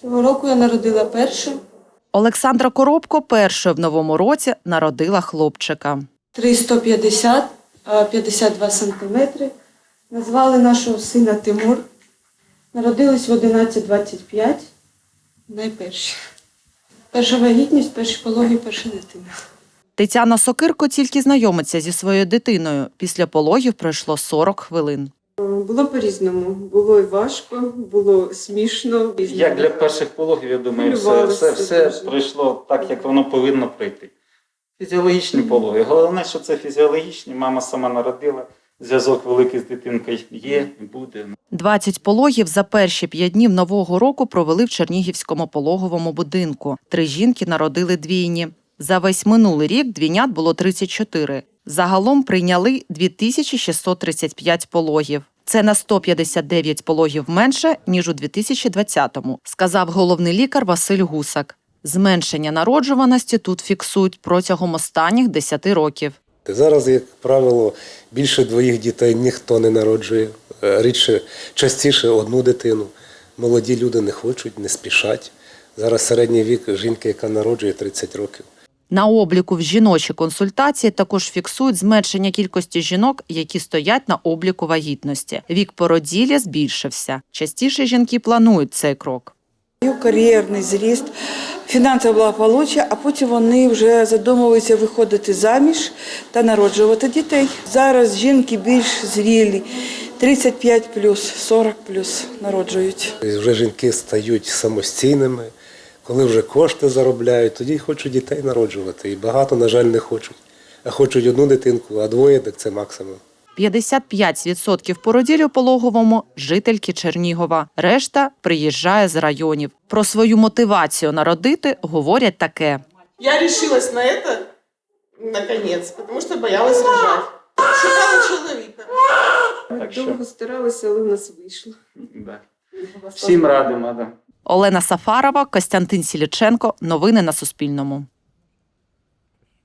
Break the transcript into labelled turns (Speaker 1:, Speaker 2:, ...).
Speaker 1: Цього року я народила першу.
Speaker 2: Олександра Коробко першою в новому році народила хлопчика.
Speaker 1: 350, 52 сантиметри. Назвали нашого сина Тимур. Народились в 11:25. Найперші. Перша вагітність, перші пологи, перша дитина.
Speaker 2: Тетяна Сокирко тільки знайомиться зі своєю дитиною. Після пологів пройшло 40 хвилин.
Speaker 3: Було по-різному. Було і важко, було смішно.
Speaker 4: Як для перших пологів, я думаю, все пройшло так, як воно повинно пройти. Фізіологічні пологи. Головне, що це фізіологічні. Мама сама народила. Зв'язок великий з дитинкою є і буде.
Speaker 2: 20 пологів за перші 5 днів Нового року провели в Чернігівському пологовому будинку. 3 жінки народили двійні. За весь минулий рік двійнят було 34. Загалом прийняли 2635 пологів. Це на 159 пологів менше, ніж у 2020-му, сказав головний лікар Василь Гусак. Зменшення народжуваності тут фіксують протягом останніх 10 років.
Speaker 5: Зараз, як правило, більше 2 дітей ніхто не народжує. Рідше, частіше одну дитину. Молоді люди не хочуть, не спішать. Зараз середній вік жінки, яка народжує, 30 років.
Speaker 2: На обліку в жіночій консультації також фіксують зменшення кількості жінок, які стоять на обліку вагітності. Вік породілля збільшився. Частіше жінки планують цей крок.
Speaker 6: Кар'єрний зріст, фінансове благополуччя, а потім вони вже задумуються виходити заміж та народжувати дітей. Зараз жінки більш зрілі, 35+, 40+ народжують.
Speaker 5: Вже жінки стають самостійними, коли вже кошти заробляють, тоді хочуть дітей народжувати. І багато, на жаль, не хочуть. А хочуть одну дитинку, а 2 – так це максимум.
Speaker 2: 55% породіль у пологовому – жительки Чернігова. Решта приїжджає з районів. Про свою мотивацію народити говорять таке.
Speaker 7: Я решилась на это, наконец, потому что боялась рожать. Шукала чоловіка.
Speaker 3: Довго старалися, але в нас вийшло.
Speaker 4: Да. Всім радимо. Да.
Speaker 2: Олена Сафарова, Костянтин Сіліченко. Новини на Суспільному.